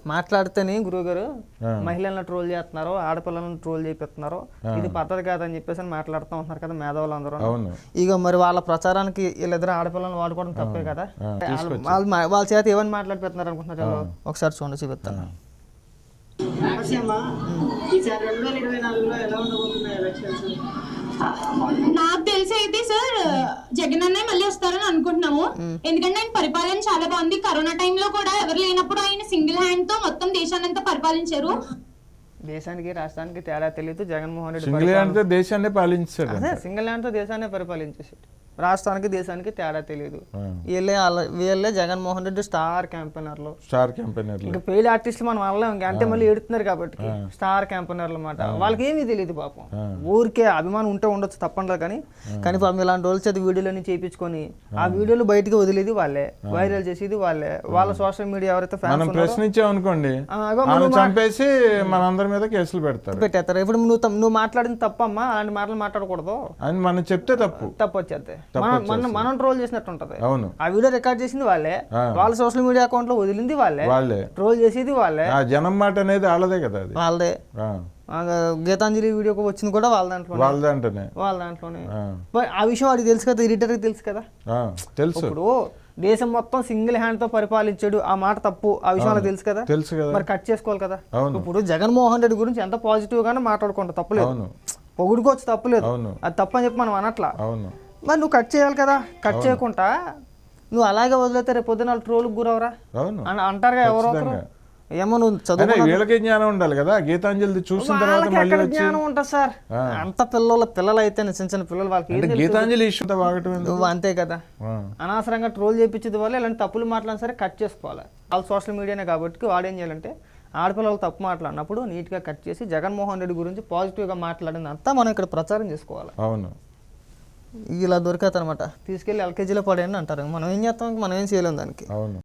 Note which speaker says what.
Speaker 1: మాట్లాడితేనే గురువుగారు మహిళలను ట్రోల్ చేస్తున్నారు, ఆడపిల్లలను ట్రోల్ చేపిస్తున్నారు, ఇది పద్ధతి కాదని చెప్పేసి అని మాట్లాడుతూ ఉంటున్నారు కదా మేధావులు అందరూ. ఇక మరి వాళ్ళ ప్రచారానికి వీళ్ళిద్దరు ఆడపిల్లలను వాడుకోవడం తప్పే కదా. వాళ్ళ చేత ఏమని మాట్లాడిపోతున్నారు అనుకుంటున్నారు. ఒకసారి చూడండి, చూపిస్తాను.
Speaker 2: నాకు తెలిసి అయితే సార్ జగన్ అన్నయ్య మళ్ళీ వస్తారని అనుకుంటున్నాము. ఎందుకంటే ఆయన పరిపాలన చాలా బాగుంది. కరోనా టైంలో కూడా ఎవరు లేనప్పుడు ఆయన సింగిల్ హ్యాండ్ తో మొత్తం దేశాన్ని అంతా పరిపాలించారు.
Speaker 1: దేశానికి రాష్ట్రానికి తేడా తెలియదు. జగన్మోహన్ రెడ్డి
Speaker 3: సింగిల్ హ్యాండ్ తో దేశాన్ని పాలించాడు.
Speaker 1: సింగిల్ హ్యాండ్ తో దేశాన్ని పరిపాలించేసాడు. రాష్ట్రానికి దేశానికి తేడా తెలియదు. వీళ్ళే జగన్మోహన్ రెడ్డి స్టార్ క్యాంపెయినర్లు. ఇంకా పెయిడ్ ఆర్టిస్టులు మనం వాళ్ళం ఇంకా అంటే మళ్ళీ ఏడుతున్నారు కాబట్టి స్టార్ క్యాంపెయినర్లు అన్నమాట. వాళ్ళకి ఏమీ తెలియదు పాపం. ఊరికే అభిమానం ఉంటే ఉండొచ్చు తప్పండి, కానీ పాపం ఇలాంటి రోజులు చేతి వీడియోలన్నీ చేయించుకొని ఆ వీడియోలు బయటకు వదిలేది వాళ్ళే, వైరల్ చేసేది వాళ్ళే. వాళ్ళ సోషల్ మీడియా ఎవరైతే
Speaker 3: ఫ్యాన్స్ ప్రశ్నించామనుకోండి చంపేసి మనందరి మీద కేసులు
Speaker 1: పెట్టేస్తారు. ఇప్పుడు నువ్వు మాట్లాడింది తప్పమ్మా, అలాంటి మాటలు మాట్లాడకూడదు
Speaker 3: అని మనం చెప్తే తప్పు
Speaker 1: వచ్చేది. మనం ట్రోల్ చేసినట్టు ఉంటది. ఆ వీడియో రికార్డ్ చేసింది వాళ్ళే, వాళ్ళ సోషల్ మీడియా అకౌంట్ లో వదిలింది వాళ్ళే, ట్రోల్ చేసేది వాళ్ళే.
Speaker 3: జనం మాట అనేది వాళ్ళదే కదా,
Speaker 1: వాళ్ళదే. గీతాంజలి వీడియో వచ్చింది కూడా వాళ్ళ దాంట్లోనే. ఆ విషయం వాడికి తెలుసు కదా, ఎడిటర్కి తెలుసు కదా. ఇప్పుడు దేశం మొత్తం సింగిల్ హ్యాండ్ తో పరిపాలించాడు, ఆ మాట తప్పు, ఆ విషయం తెలుసు కదా. మరి కట్ చేసుకోవాలి కదా. ఇప్పుడు జగన్మోహన్ రెడ్డి గురించి ఎంత పాజిటివ్ గానే మాట్లాడుకుంటా తప్పులేదు, పొగుడుకోవచ్చు తప్పులేదు, అది తప్పు అని చెప్పి మనం అనట్లా. మరి నువ్వు కట్ చేయాలి కదా. కట్ చేయకుండా నువ్వు అలాగే వదిలేతే రేపు పొద్దున ట్రోల్కి గురవరా అని అంటారుగా ఎవరో. ఏమో నువ్వు చదువు,
Speaker 3: వీళ్ళకి జ్ఞానం ఉండాలి కదా. గీతాంజలి చూసిన తర్వాత
Speaker 1: జ్ఞానం ఉంటుంది సార్. అంత పిల్లలు అయితే చిన్న చిన్న పిల్లలు వాళ్ళకి
Speaker 3: గీతాంజలి ఇష్యూ
Speaker 1: నువ్వు అంతే కదా. అనవసరంగా ట్రోల్ చేయించేది వల్ల ఇలాంటి తప్పులు మాట్లాడినా సరే కట్ చేసుకోవాలి. వాళ్ళ సోషల్ మీడియానే కాబట్టి వాడు ఏం చేయాలంటే ఆడపిల్లలు తప్పు మాట్లాడినప్పుడు నీట్గా కట్ చేసి జగన్మోహన్ రెడ్డి గురించి పాజిటివ్గా మాట్లాడిందంతా మనం ఇక్కడ ప్రచారం చేసుకోవాలి.
Speaker 3: అవును,
Speaker 1: ఇలా దొరికత అనమాట. తీసుకెళ్ళి ఎల్కేజీలో పడేయండి అంటారు. మనం ఏం చేస్తాం, మనం ఏం చేయలేం దానికి.
Speaker 3: అవును.